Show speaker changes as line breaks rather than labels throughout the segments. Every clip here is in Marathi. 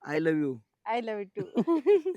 I love you.
I love you too.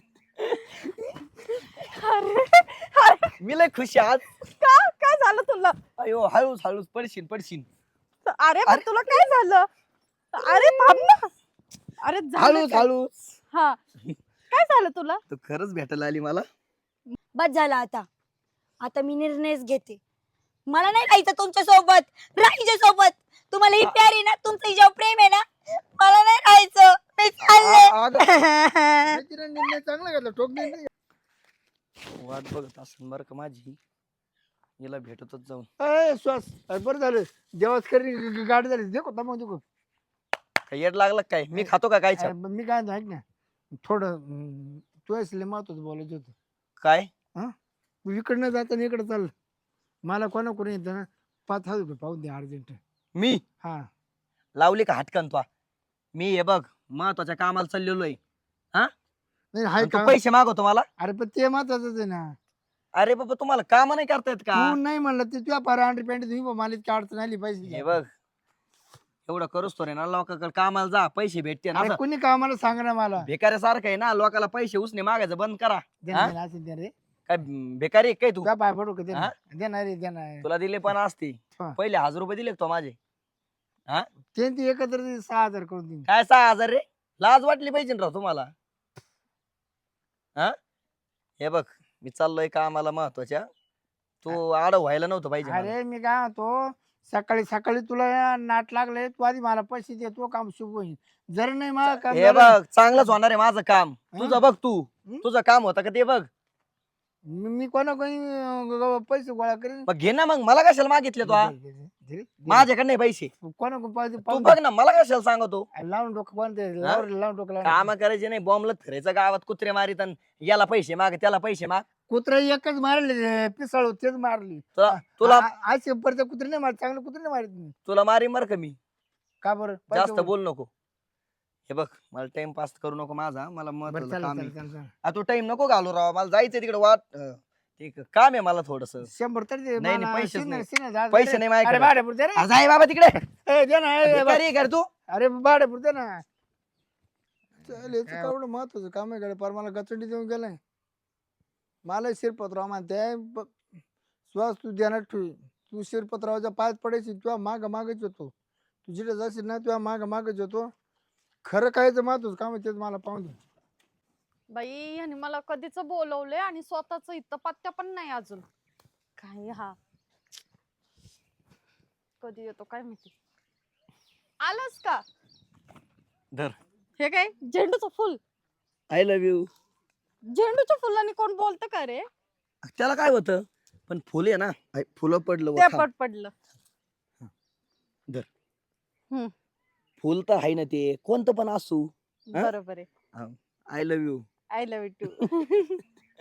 अरे अरे,
मी लय खुश आहे आज.
का काय झालं तुला?
अयो हळूच हळूच पडशील पडशील.
अरे पण
अरे.
तुला काय झालं? अरे थांब ना. अरे झालं
हळूच
काय?
हळूच.
हा काय झालं तुला?
तू खरंच भेटायला आली मला.
बस झालं आता. आता मी निर्णयच घेते. मला नाही राहायचं तुमच्या सोबत. राहायच्या सोबत. तुम्हाला ही प्यार आहे ना, तुमचं हिच्यावर प्रेम आहे ना, मला नाही राहायचं. मी चालले.
निर्णय चांगला घेतला, ठोक निर्णय.
वाट बघत असेल बरं का माझी. हिला भेटतच जाऊन.
श्वास बरं झालं. देवाच करी गाडी झाली. देखो मग देखो.
काय येड लागलं काय? मी खातो का काय?
मी काय म्हणतो, ऐक ना थोडं तू असले महत्वाचं बोलायचं होतं.
काय
तू इकडनं जाताना इकडं चाल. मला कोणा कोणी येतं ना 5,000 रुपये पाहून दे अर्जंट.
मी
हा
लावली का हटकन तो? मी हे बघ महत्वाच्या कामाला चाललेलो आहे.
नाही हाय
तू
का?
पैसे मागवतो मला?
अरे पण ते महत्वाचंच आहे ना.
अरे बाबा तुम्हाला काम नाही करता येत का?
तू नाही म्हणलं ते तुझ्या पारा अंडर पॅन्ट तुम्ही मला इतकी अडचण आली
हे
पाहिजे.
बघ एवढं करूच तो रे ना लोकांकडे कामाला जा पैसे भेटते ना.
अरे
असं
कोणी कामाला सांग ना मला.
भिकाऱ्यासारखं आहे ना लोकांना पैसे उसने मागायचं बंद करा.
देणार असेल दे रे.
काय भिकारी आहे काय तू?
तुझ्या पाय पडू का
हा?
देणार रे देणार.
तुला दिले पण असते
हा.
पहिले 1000 रुपये दिले का तो माझे?
ते एकत्र 6,000 करून देईन.
काय 6000 रे? लाज वाटली पाहिजे ना राव तुम्हाला. हे बघ मी चाललोय कामाला महत्वाच्या. तू आडव व्हायला नव्हतं पाहिजे मला.
अरे मी काय म्हणतो सकाळी सकाळी तुला नाट लागले तू आधी मला पैसे दे तो काम शुभ होईल. जर नाही मला काम
हे
झालं,
बघ चांगलंच होणार आहे माझं काम.
हा?
तुझं बघ तू.
हं?
तुझं काम होतं का ते बघ.
मी कोणा कोणी पैसे गोळा करेन.
मग घे ना मग मला कशाला मागितले तू? माझ्याकडे नाही पैसे.
कोणा कोण
तू बघ ना मला कशाला सांगतो?
लावून डोकं कोणते
हा?
लावून डोकं
काम करायचे नाही बॉम्बला फिरायचं गावात कुत्रे मारित अन याला पैसे माग त्याला पैसे माग.
कुत्रा एकच मारले पिसाळ तेच मारली.
तुला
आज परत कुत्रे नाही मारत चांगले कुत्रे नाही मारत मी.
तुला मारी मर का मी.
का बरं
जास्त बोल नको. हे बघ मला टाइम पास करू नको माझा. मला महत्वाचं काम आहे. तू टाइम नको घालू राव. मला जायचंय तिकडे वाट ठीक काम आहे मला थोडस.
100 तरी दे
नाही,
मला.
पैसेच
शिन-
नाही.
शिन- जा-
पैसे
दे.
नाही
अरे
माझ्याकडे.
भाड्यापुरते दे रे.
जाय बाबा तिकडे.
दे ना
भिकारी आहे का रे तू?
अरे भाड्यापुरते ना. चल याचं केवढं महत्वाचं काम आहे कडे पर मला गचंडी देऊन गेलाय. मला शिरपतराव म्हणते श्वास तू ध्यानात ठेव. तू शिरपतरावच्या पायात पडायची तुझ्या माग मागच येतो. तू जिथे जाशील ना तुझ्या माग मागच येतो. खरं कायचं महत्वाचं काम आहे तेच मला पाहून दे.
बाई ह्याने मला कधीच बोलवलंय आणि स्वतःच इथं पत्त्या पण नाही अजून. काय हा कधी येतो काय माहिती. आलास का?
धर.
हे काय झेंडूचं फुल?
I love you.
झेंडूच्या फुलाने कोण बोलतं का रे?
त्याला काय होतं पण फुल आहे ना. फुलं पडलं
ते
वर.
पडलं.
फुल तर आहे ना ते कोणतं पण असू. हा?
बरोबर आहे.
I love you.
I love you too.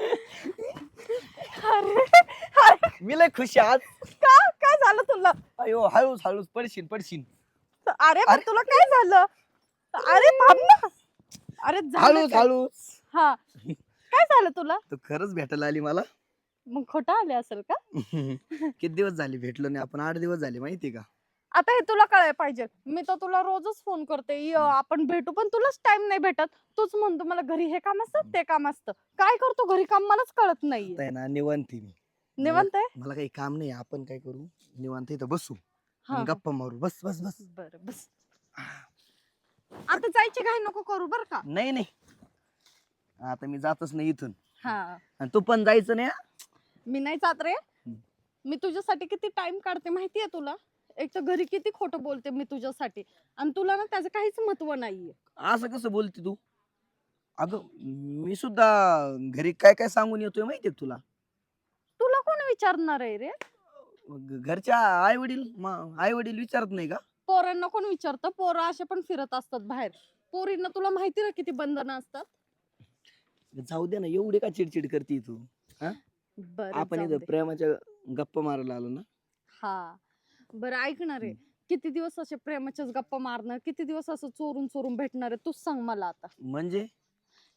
अरे
मी लय खुश आहे आज.
का काय झालं तुला?
अयो हळूच हळूच पडशील पडशील.
अरे पण तुला काय झालं? अरे थांब ना. अरे झालं
हळूच
काय?
हळूच.
हा काय झालं तुला?
तू खरंच भेटायला आली मला.
मग खोटं आले असेल का?
किती दिवस झाले भेटलो नाही आपण. 8 दिवस झाले माहिती का.
आता हे तुला कळायला पाहिजे. मी तर तुला रोजच फोन करते आपण भेटू पण तुलाच टाइम नाही भेटत. तूच म्हणतो मला घरी हे काम असतं ते काम असतं. काय करतो घरी काम मलाच कळत नाहीये.
आता आहे ना निवांत आहे मी.
निवांत आहे?
मला काही काम नाही. आपण काय करू निवांत इथं बसू
हा,
आणि
हा.
गप्पा मारू. बस बस बस.
बरं बस. आता जायची घाई नको करू बर का.
नाही नाही आता मी जातच नाही इथून.
हा
आणि तू पण जायचं नाही हा?
मी नाही जात रे. मी तुझ्यासाठी किती टाइम काढते माहितीये तुला. एक तर घरी किती खोटं बोलते मी तुझ्यासाठी आणि तुला ना त्याचं काहीच महत्व नाहीये.
असं कसं बोलते तू? अगं मी सुद्धा घरी काय काय सांगून येतोय माहितीये का तुला.
तुला कोण विचारणार आहे रे?
घरच्या आई वडील विचारत नाही का?
पोरांना कोण विचारतं? पोरं असे पण फिरत असतात बाहेर. पोरींना तुला माहिती ना किती बंधनं असतात.
जाऊ दे ना एवढी का चिडचिड करते तू.
बरं
आपण
जाऊ
इथं
दे.
प्रेमाच्या गप्पा मारायला आलो ना.
हा बरं ऐकणार आहे. किती दिवस असे प्रेमाच्याच गप्पा मारणार? किती दिवस असं चोरून चोरून भेटणार आहे? तूच सांग मला आता.
म्हणजे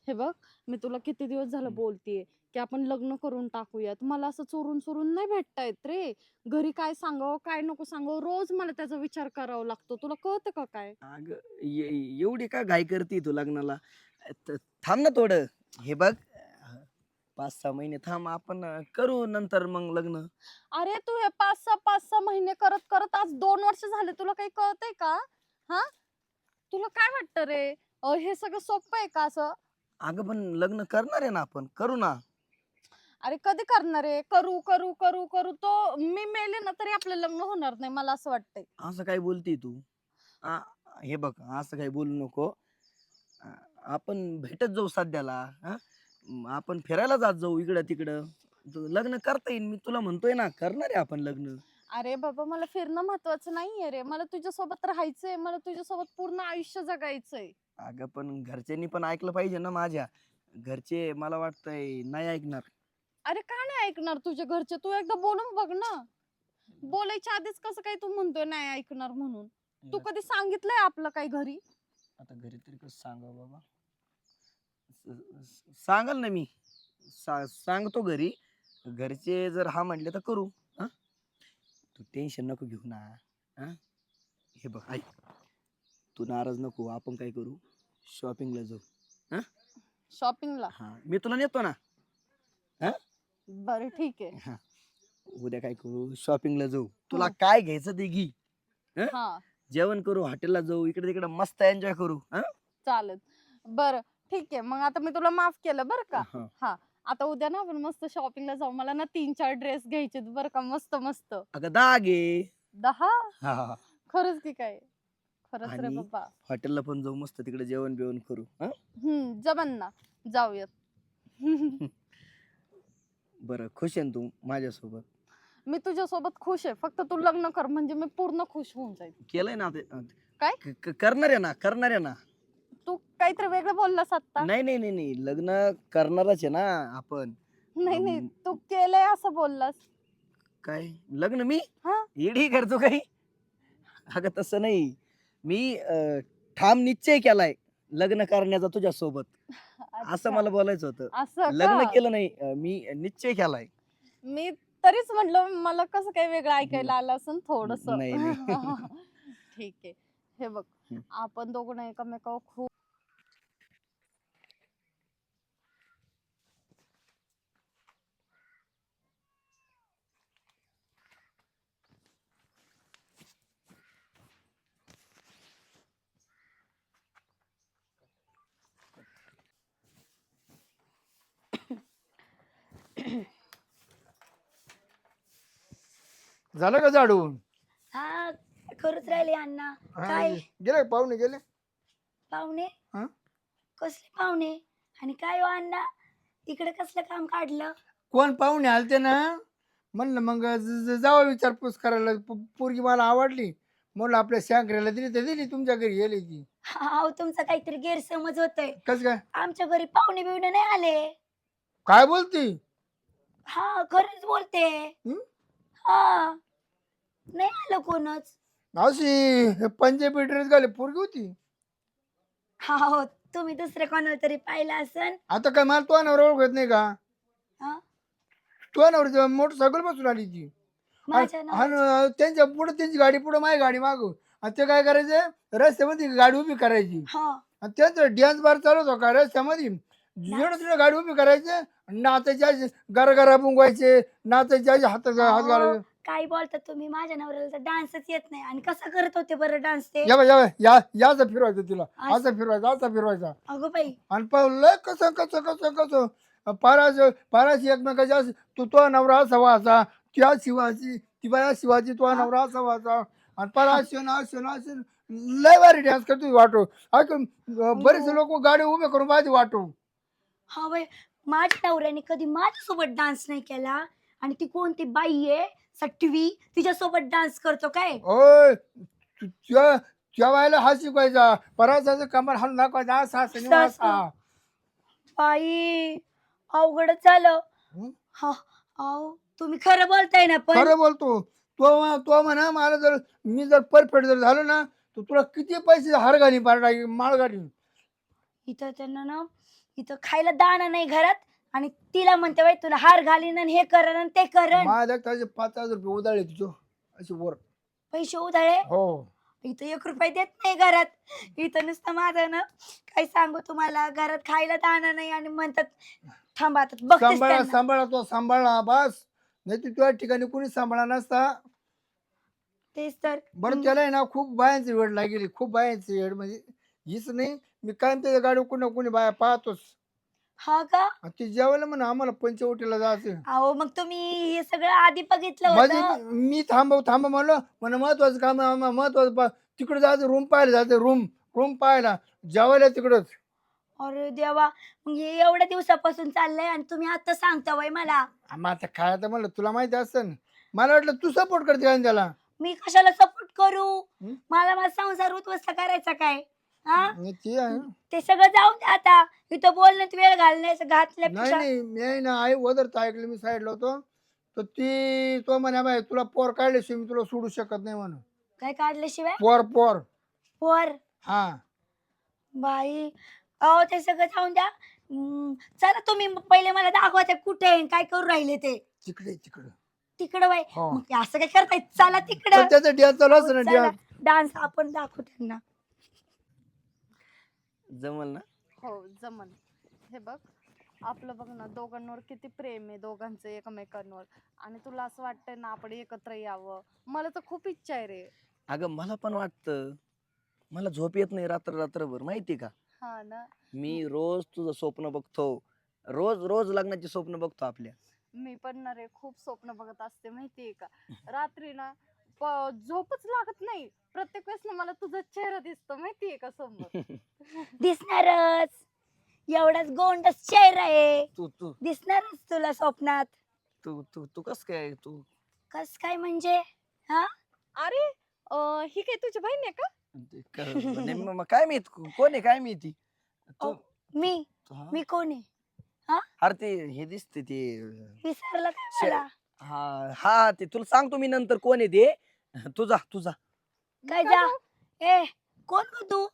हे बघ, मी तुला किती दिवस झालं बोलतेय की आपण लग्न करून टाकूयात. मला असं चोरून चोरून नाही भेटता येत रे. घरी काय सांगावं काय नको सांगावं, रोज मला त्याचा विचार करावा लागतो. तुला कळतं का काय?
अगं एवढी का घाई करते तू लग्नाला? थांब ना थोडं. हे बघ 5-6 महिने थांब, आपण करू नंतर मग लग्न.
अरे तू हे 5-6 महिने करत करत आज 2 वर्ष झाले. तुला काही कळतंय का? हा, तुला काय वाटतं रे? हे सगळं सोपं आहे का असं?
अगं पण लग्न करणार आहे ना, आपण करू ना.
अरे कधी करणार आहे? करू करू करू करू तो मी मेले ना तरी आपलं लग्न होणार नाही, मला असं वाटतंय.
असं काय बोलती तू? आ, हे बघ असं काही बोलू नको. आ, आपण भेटत जाऊ सध्याला. हा, आपण फिरायला जात जाऊ इकडं तिकडं. लग्न करता येईल, मी तुला म्हणतोय ना, करणार आहे आपण लग्न.
अरे बाबा, मला फिरणं महत्वाचं नाहीये रे. मला तुझ्यासोबत राहायचंय. मला तुझ्यासोबत पूर्ण आयुष्य जगायचंय.
अगं पण घरच्यांनी पण ऐकलं पाहिजे ना माझ्या. घरचे मला वाटतंय नाही ऐकणार.
अरे का नाही ऐकणार तुझ्या घरचे? तू एकदा बोलून बघ ना. बोलायच्या आधीच कसं काय तू म्हणतोय नाही ऐकणार म्हणून? तू कधी सांगितलंय आपलं काही घरी?
आता घरी तरी कसं सांगावं बाबा? सांगाल ना मी. सांगतो घरी. घरचे जर हा म्हटले तर करू. हा, तू टेन्शन नको घेऊ ना. हा, हे बघ ऐक, तू नाराज नको. आपण काय करू, शॉपिंगला जाऊ. हा
शॉपिंगला?
हा, मी तुला नेतो ना. हा,
बरं ठीक आहे.
हा, उद्या काय करू, शॉपिंगला जाऊ. तुला काय घ्यायचं ते घे.
हा
जेवण करू, हॉटेलला जाऊ, इकडे तिकडे मस्त एन्जॉय करू. हा
चालेल. बरं ठीक आहे. मग आता मी तुला माफ केलं बरं का.
हा.
हा, आता उद्या ना आपण मस्त शॉपिंगला जाऊ. मला ना 3-4 ड्रेस घ्यायचे बरं का, मस्त मस्त.
अगं 10 घे.
10?
हा हा.
खरंच की काय? खरंच रे
आणि
बाबा.
हॉटेलला पण जाऊ, मस्त तिकडे जेवण बिवण करू. हा,
जमन ना, जाऊयात.
बरं खुश आहे ना तू माझ्यासोबत?
मी तुझ्यासोबत खुश आहे. फक्त तू लग्न कर म्हणजे मी पूर्ण खुश होऊन जाईल.
केलंय ना ते.
काय?
करणार आहे ना, करणार आहे ना.
तू काहीतरी वेगळं बोललास आता.
नाही नाही नाही नाही, लग्न करणारच आहे ना आपण.
नाही नाही, तू केलंय असं बोललास.
काय लग्न? मी
हा?
येडी करतो काही? अगं तसं नाही. मी ठाम निश्चय केलाय लग्न करण्याचा तुझ्यासोबत, असं
अच्छा,
मला बोलायचं होतं.
असं
लग्न
का?
केलं नाही, मी निश्चय केलाय.
मी तरीच म्हटलं मला कसं काही वेगळं ऐकायला आलं असं थोडस.
नाही, नाही.
ठीक आहे. हे बघ,
हम्म.
आपण दोघं ना एकमेकावर खूप
झालं का झाडून?
हा, करूच राहिले अण्णा.
हा,
काय
गेले का पाहुणे गेले?
पाहुणे?
हा?
कसले पाहुणे? आणि काय हो अण्णा, इकडे कसलं काम काढलं?
कोण पाहुणे आलते ना, म्हणलं मग जावा विचारपूस करायला. पोरगी मला आवडली, म्हणलं आपल्या शांकऱ्याला दिली तर दिली, तुमच्या घरी गेली ती.
हा, तुमचा काहीतरी गैरसमज होतोय.
कस काय?
आमच्या घरी पाहुणे बिवणे नाही आले.
काय बोलती?
हा, खरंच बोलते.
हं?
हा, नाही आलं कोणच.
अशी पंजाबी ड्रेस घाले पोरगी होती.
हा हो, तुम्ही दुसऱ्या कोणाला तरी पाहिलं असन.
आता काय मला तो नवरा ओळखत नाही का?
हा,
तो नवरा मोटरसायकल बसून आली ती.
माझ्या नावाचं.
आणि त्यांच्या पुढे त्यांची गाडी पुढे माझी गाडी मागू, आणि ते काय करायचं, रस्त्यामध्ये गाडी उभी करायची.
हा,
आणि त्यांचं डॅन्स बार चालू होतो का रस्त्यामध्ये, जेवढं तिथे गाडी उभी करायचे, नाचायचे गरगरा बुंगवायचे, नाचायचे हात हात घालायचे.
काय बोलता तुम्ही? माझ्या नवऱ्याला तर डान्सच येत नाही. आणि कसा करत होते बरं डान्स ते?
याचा फिरवायचं तिला, असा फिरवायचा, असा फिरवायचा.
अगो बाई,
आणि पाहिलं कसं कसं कसं कसं पाराशी एकमेकाच्या, तो नवरा असा व्हायचा, त्या शिवाची ती बाया शिवाची, तो नवरा असा व्हायचा. आणि पराशी लय भारी डान्स करतो वाटो. बरेचसे लोक गाडी उभे करून माझी वाटो.
हा बाई, माझ्या नवऱ्याने कधी माझ्यासोबत डान्स नाही केला. आणि ती कोणती बाई आहे सटवी, तिच्यासोबत डान्स करतो काय?
ओय, त्या बायला हा शिकवायचा, परासाचं कमर हाणून दाखवायचा, असा असा.
बाई, अवघडच झालं.
हं?
हा, अहो तुम्ही खरं बोलताय ना? पण
खरं बोलतो. तो म्हणा मला, जर मी जर परफेक्ट जर झालो ना, तर तुला किती पैसे हार घाली माळ घाली.
इथं त्यांना ना इथं खायला दाणा नाही घरात आणि तिला म्हणते बाई तुला हार घालीन आणि हे करण आणि ते करण.
माझ्या त्याचे 5,000 रुपये उधाळे तुझो असे वर.
पैसे उधळे.
हो
इथं 1 रुपया देत नाही घरात. इथं नुसतं माझं ना काय सांगू तुम्हाला घरात खायला दाणा नाही आणि म्हणतात थांबा आता बघतेच
सांभाळा
त्यांना.
सांभाळा तो सांभाळा बस. नाही तर तुझ्या ठिकाणी कोणी सांभाळा नसता.
तेच तर.
बरं त्याला आहे ना खूप बायांची वेळ लागेली, खूप बायांची वेळ म्हणजे हीच नाही. मी काय त्याच्या गाडीवर कोणी कोणी बाया पाहतोच.
हा का.
आणि ती जेवायला म्हणा आम्हाला पंचवटीला जायचं.
अहो मग तुम्ही हे सगळं आधी बघितलं
म्हणजे
होतं.
मी थांबव म्हणलं म्हणा महत्वाचं काम आहे आम्हाला महत्वाचं तिकडे जायचं रूम पाहायला जायचं रूम पाहायला जेवायला तिकडच.
अरे देवा मग हे एवढ्या दिवसापासून चाललंय आणि तुम्ही आता सांगता वय मला.
मग आता काय तर म्हणलं तुला माहिती असतं ना. मला वाटलं तू सपोर्ट करते का त्याला.
मी कशाला सपोर्ट करू.
हं?
मला माझा संसार उद्ध्वस्त करायचा काय. हा
आणि ती आहे.
ते सगळं जाऊन द्या आता. इथं बोलण्यात वेळ
नाही
घातल्यापेक्षा.
नाही मी आहे ना आई वदर ऐकलं मी साईडला होतो. तर ती तो म्हणे बाई तुला पोर काढल्याशिवाय मी तुला सोडू शकत नाही म्हणून.
काय काढल्याशिवाय.
पोर
पोर.
हा
बाई अहो ते सगळं जाऊन द्या. चला तुम्ही पहिले मला दाखवा ते कुठे आहे, काय करू राहिले ते.
तिकडे
तिकडं बाई.
हो.
मग ते असं काय करताय चला तिकडं.
पण त्याचा डॅन्स चालू असतो ना डॅन्स.
डान्स आपण दाखवू त्यांना.
जमल ना.
हो जमन. हे बघ आपलं बघ ना दोघांवर किती प्रेम आहे दोघांचं एकमेकांवर. आणि तुला असं वाटतंय ना आपण एकत्र यावं. मला तर खूप इच्छा आहे रे.
अगं मला पण वाटतं. मला झोप येत नाही रात्रभर माहिती का.
हा ना.
मी रोज तुझं स्वप्न बघतो. रोज लग्नाची स्वप्न बघतो आपल्या.
मी पण ना रे खूप स्वप्न बघत असते माहितीये का. रात्री ना झोपच लागत नाही. प्रत्येक वेळेस ना मला तुझा चेहरा दिसतो माहितीये का समोर.
दिसणारच. एवढाच गोंडस चेहरा आहे.
तू तू
दिसणारच तुला स्वप्नात.
तू तू तू कस काय तू.
कस काय म्हणजे.
अरे ही काय तुझी बहीण आहे का.
नाही, मग काय माहित कोण आहे काय माहिती. तू
मी
हा?
मी कोण आहे.
अरे ते हे दिसते ते.
विसरला काय
शे-
मला.
हा हा ते तुला सांगतो मी नंतर कोण आहे ते. तुझा
काय
का
जा.
गं?
ए कोण गं तू.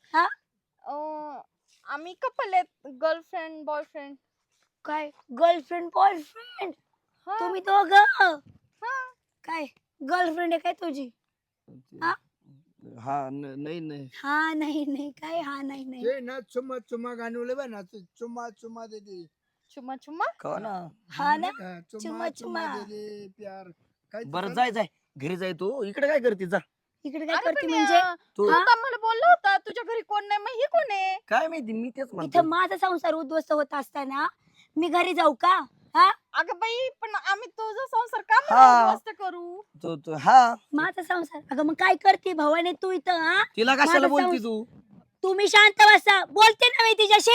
आम्ही कपल आहेत गर्लफ्रेंड बॉयफ्रेंड.
काय गर्लफ्रेंड बॉयफ्रेंड.
हा
तुम्ही दोघं.
हा.
काय गर्लफ्रेंड आहे काय तुझी. हा?
हा नाही
हा नाही नाही काय हा नाही नाही.
ते ना चुम्मा गाणवले बा ना चुम्मा दे दे.
चुम्मा चुम्मा.
का ना.
हा ना.
चुम्मा
चुम्मा.
दे दे प्यार. काय ते
बरं
कर-
जाय घरी जाय तू इकडे काय करते जा.
इकडे काय
अरे
करते
पण
म्हणजे.
तू
तू तर मला बोलला होता तुझ्या घरी कोण नाही मग ही कोण आहे.
काय माहिती मी तेच
इथं
म्हणतो.
माझा संसार उद्ध्वस्त होत असताना मी घरी जाऊ का.
अगं बाई पण आम्ही तुझा संसार का
हा.
उद्ध्वस्त करू.
तू हा
माझा संसार. अगं मग काय करते भवाने तू इथं.
तिला कशाला
माझा
बोलती
संस-
तू.
तुम्ही शांत बसा. बोलते ना मी तिच्याशी.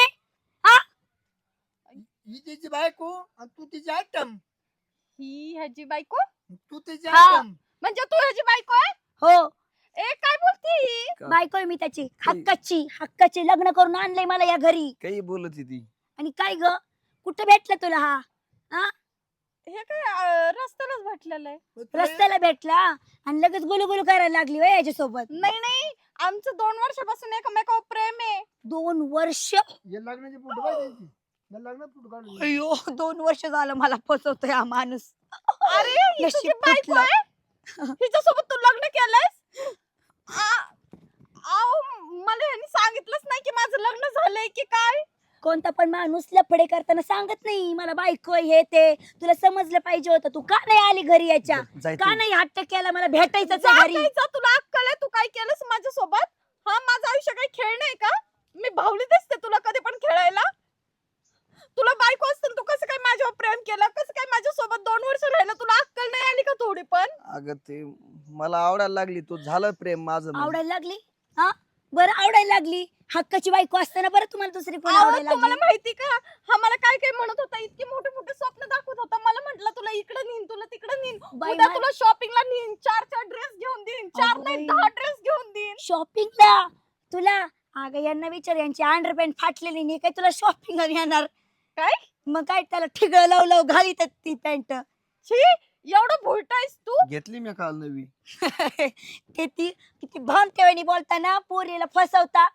ही तिची बायको आणि तू तिची आयटम.
ही ह्याची बायको.
तू तिची
हा.
आयटम.
म्हणजे तू ह्याची बायको आहे.
हो
ए काय बोलती ही.
बायको आहे मी त्याची. हक्काची लग्न करून आणलंय मला या घरी.
काही बोलत ती.
आणि काय ग कुठं भेटला तुला हा.
हे काय रस्त्यालाच भेटलेलं आहे.
मग तुला-
रस्त्याला भेटला आणि लगेच गुलू करायला लागली वय याच्यासोबत.
नाही आमचं 2 वर्षापासून एकमेकावर प्रेम आहे.
2 वर्ष.
हे लग्नाची फोटो पाहिजे. लग्नात फोटो काढून दे.
अयो 2 वर्ष झालं मला फसवतोय हा माणूस.
अरे ही तुझी
नशीब
बायको
फुटलं.
आहे. हिच्यासोबत तू लग्न केलंयस. मला ह्यांनी सांगितलंच नाही की माझं लग्न झालंय की काय.
कोणता पण माणूस लफडे करताना सांगत नाही मला बायको आहे, हे ते. तुला समजलं पाहिजे होतं. तू का नाही आली घरी याच्या.
जाय
का
तू.
नाही हट्ट केला मला भेटायचं
जा
घरी.
जायचं, तुला अक्कल आहे. तू काय केलंस माझ्यासोबत. हा माझं आयुष्य काही खेळ नाही का. मी भावली दिसते तुला कधी पण खेळायला. तुला बायको असतं तू कसं काय माझ्यावर प्रेम केलं. कसं काय माझ्यासोबत 2 वर्ष राहिलं. तुला अक्कल नाही आली का थोडी पण.
अगं ते मला आवडायला लागली तू झालं प्रेम माझं म्हणजे.
आवडायला लागली. बरं आवडायला लागली. हक्काची बायको असताना बरं तुम्हाला दुसरी कोण
अहो,
आवडायला
तुम्हाला
लागली.
माहिती का हा मला काय काय म्हणत होता. इतकी मोठे मोठे स्वप्न दाखवत होता. मला म्हटलं तुला इकडे नेईन तुला तिकडे नेईन.
बाई,
उद्या
मा-
तुला शॉपिंगला नेईन. 4 ड्रेस घेऊन देईन. 4
अगं
नाही
बाई.
10 ड्रेस घेऊन देईन.
शॉपिंगला तुला. अगं यांना विचार यांची अंडरपॅन्ट फाटलेली नाही काय तुला शॉपिंग येणार.
काय
मग काय त्याला ठिगळ लाव घालीत ती पॅन्ट.
छी एवढं भुलटायस तू.
घेतली मी काल नवी.
ते ती किती भान तेवणी बोलताना पोरीला फसवता.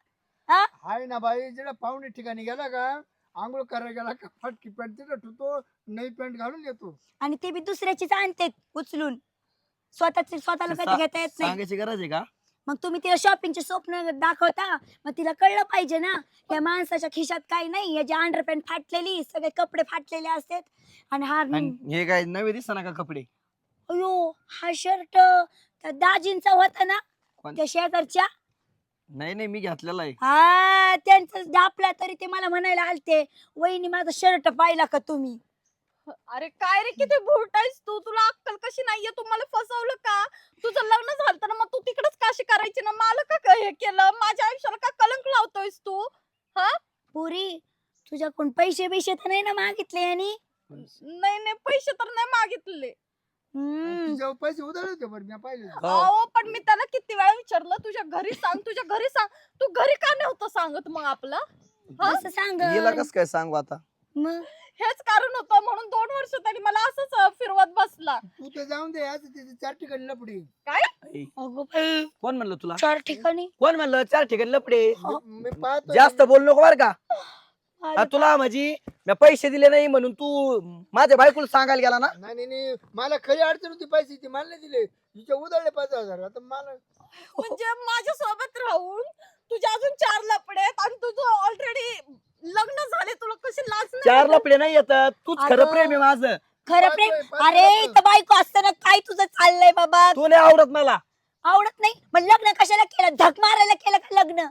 हाय ना बाई, जेव्हा पाहुणे ठिकाणी गेला का आंघोळ करायला गेला का फटकी पॅन्ट तिथं ठेवतो, नवी पॅन्ट घालून येतो.
आणि ते बी दुसऱ्याचीच आणते उचलून, स्वतःला कधी घेता येत नाही.
सांगायची गरज आहे का?
मग तुम्ही तिला शॉपिंगचे स्वप्न दाखवता, मग तिला कळलं पाहिजे ना या माणसाच्या खिशात काही नाही, याची अंडरपॅन्ट फाटलेली, सगळे कपडे फाटलेले असतात. आणि हा
आणि हे काय नवे दिसना का कपडे?
अयो, हा शर्ट त्या दाजींचा होता ना,
कोण?
त्या शेजारच्या.
नाही नाही, मी घेतलेला आहे.
हा, त्यांचं दापला तरी ते मला म्हणायला आलते, वहिनी माझा शर्ट पाहिला का तुम्ही?
अरे काय रे, किती भोट आहेस तू, तुला अक्कल कशी नाहीये? तू मला फसवलं का? तुझं लग्न झालं ना, मग तू तिकडच काशी करायची ना, मला का हे केलं? माझ्या आयुष्याला का कलंक लावतोयस तू?
पुरी, तुझ्याकडून पैसे बिशे तर नाही ना मागितले यांनी?
नाही नाही, पैसे तर नाही मागितले.
तिच्यावर पैसे उधळले होते बरं, मी पाहिले.
हो.
अहो पण मी त्याला किती वेळा विचारलं, तुझ्या घरी सांग, तुझ्या घरी सांग. तू घरी का नव्हतं सांगत मग आपलं?
असं सांग.
हिला कस काय सांगू आता?
मग
हेच कारण होतं म्हणून 2 वर्ष तरी मला असंच फिरवत बसला.
तू तर जाऊन दे, आज तिथे 4 ठिकाणी लपडी.
आई,
अगो बाई,
कोण म्हणलं तुला?
4 ठिकाणी
कोण म्हणलं 4 ठिकाणी लपडे?
मी पाहतो
जास्त बोल नको बर का.
अरे
तुला माझी मी पैसे दिले नाही म्हणून तू माझ्या बायकोला सांगायला गेला ना?
नाही नाही नाही, मला खरी अडचण होती पैशाची, मला नाही दिले. तिच्या उधळले 5,000. आता मला
म्हणजे माझ्या सोबत राहून तुझ्या अजून 4 लपडे आहेत आणि तुझं ऑलरेडी लग्न झाले, तुला कशी लाज नाही?
4 लपडे नाही येतात. तूच खरं
अगं.
प्रेम आहे माझं.
खरं प्रेम.
पाहतोय,
अरे
पाहतोय.
इथं बायको असताना काय तुझं चाललंय बाबा?
तू नाही आवडत मला.
आवडत नाही मग लग्न कशाला केलं? झक मारायला केलं का लग्न?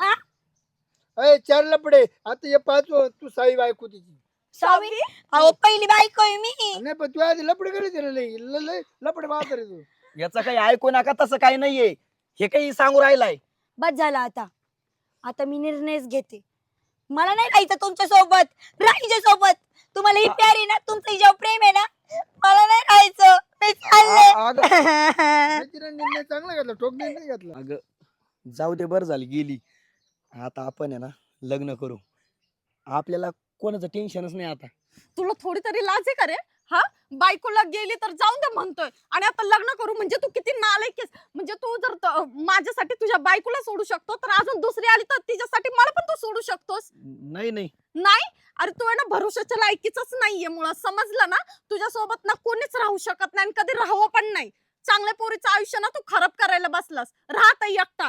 अय 4 लपडे, आता हे 5 तू साई बायको तिची.
सावी, अहो पहिली बायको आहे मी.
नाही पण तू आधी लपडे करायचे ना, लय लपडे पाहत रे तू.
याचं काही ऐकू नका, तसं काही नाहीये. हे काही सांगू राहिलाय.
बस झालं आता. आता मी निर्णयच घेते. मला नाही राहायचं तुमच्या सोबत, राहीच्या सोबत. तुम्हाला ही प्यारी ना, तुमचं हिच्यावर प्रेम आहे ना, मला नाही राहायचं. मी चालले.
अगं
तिने निर्णय चांगला घेतला, ठोक निर्णय नाही घेतला.
अगं, जाऊ दे, बरं झाली गेली. आता आपण आहे ना लग्न करू. आपल्याला कोणाचं टेन्शनच नाही आता.
तुला थोडी तरी लाज आहे का रे? बायकोला गेली तर जाऊन दे म्हणतोय आणि आता लग्न करू म्हणजे तू किती नालायक आहेस. म्हणजे तू जर माझ्यासाठी तुझ्या बायकोला सोडू शकतो, तर अजून दुसरी आली तर तिच्यासाठी मला पण तू सोडू शकतोस?
नाही नाही,
नाही. अरे तू आहे ना भरोशाच्या लायकीचाच नाहीये मुळात, समजलं ना? तुझ्या सोबत ना कोणीच राहू शकत नाही आणि कधी राहावं पण नाही. चांगल्या पोरीचं आयुष्य ना तू खराब करायला बसलास. राहत एकटा.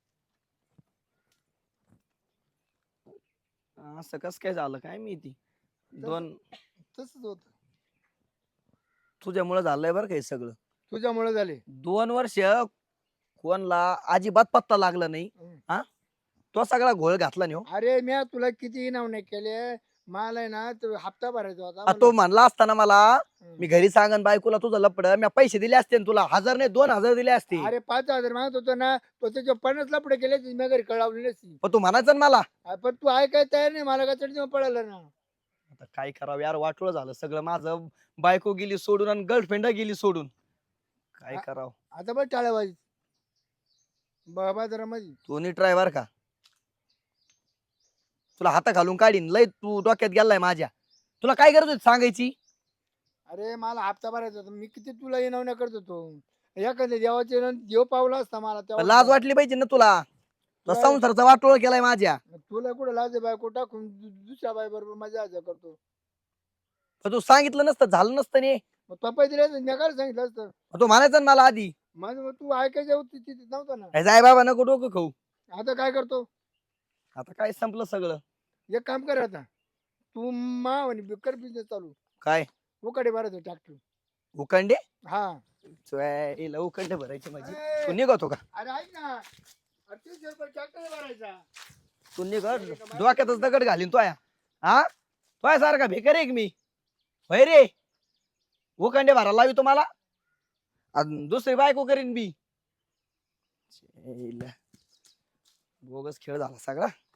असं कस काय झालं काय माहिती.
तसंच होत,
तुझ्यामुळे झालंय बरं का हे सगळं.
तुझ्यामुळे झाले.
2 वर्ष कोणला अजिबात पत्ता लागला नाही. हा, तो सगळा घोळ घातला नाही हो.
अरे मी तुला किती इनाम नाही केले, मला आहे ना तो हप्ता भरायचा होता.
तो म्हणला असताना मला,
हम्म.
मी घरी सांगन बायकोला तुझं लपड, मी पैसे दिले असते ना तुला. 1000 नाही 2000 दिले असते.
अरे 5,000 मागत होतो ना, तो त्याच्या 50 लपडे केले, मी घरी कळवली नसती.
पण तू म्हणायचं ना मला.
पण तू ऐकाय तयार नाही, मला का चढ पडायला ना.
आता काय करावं यार, वाटोळं झालं सगळं माझं. बायको गेली सोडून आणि गर्लफ्रेंड गेली सोडून. काय
हा.
करावं?
आता बघ टाळ्याबाजी बाबा जरा माझी.
तू नीट ड्रायव्हर का? तुला हाता घालून काढीन. लय तू डोक्यात गेलाय माझ्या. तुला काय गरज होती सांगायची?
अरे मला हप्ता भरायचा होता, मी किती तुला इनावण्या करत होतो. एखाद्या देवाचे इनाम देव पावला असता मला
पण
तेव्हा.
लाज वाटली पाहिजे ना तुला. तो संसाराचा वाटोळ केलाय माझ्या.
तुला कुठं लाज आहे बायको टाकून दुसऱ्या बाई बरोबर मजा करतो.
पण तू सांगितलं नसतं, झालं नसतं ने.
मग तो पैसे दिले असते, मी काय सांगितलं असतं.
तू म्हणायचं ना मला आधी.
माझं मग तू ऐकायच्या होती तिथे नव्हता ना.
"ए, जाय बाबा नको डोकं खाऊ."
आता काय करतो,
आता काय संपलं सगळं.
एक काम कर आता, तू म्हणे कर बिझनेस चालू.
काय
उकडे भरायचं ट्रॅक्टर.
उकंडे?
हा.
हिला उकंडे भरायचे माझी.
ए,
तू निघतो का?
अरे ऐक ना, 38 रुपये ट्रॅक्टर भरायचा.
तू निघत डोक्यातच दगड घालीन तो या. हा, तो सारखा भेकर आहे मी. होय रे, उकंडे भरायला लावी तुम्हाला. दुसरी बायको करीन बी. बोगस खेळ झाला सगळा.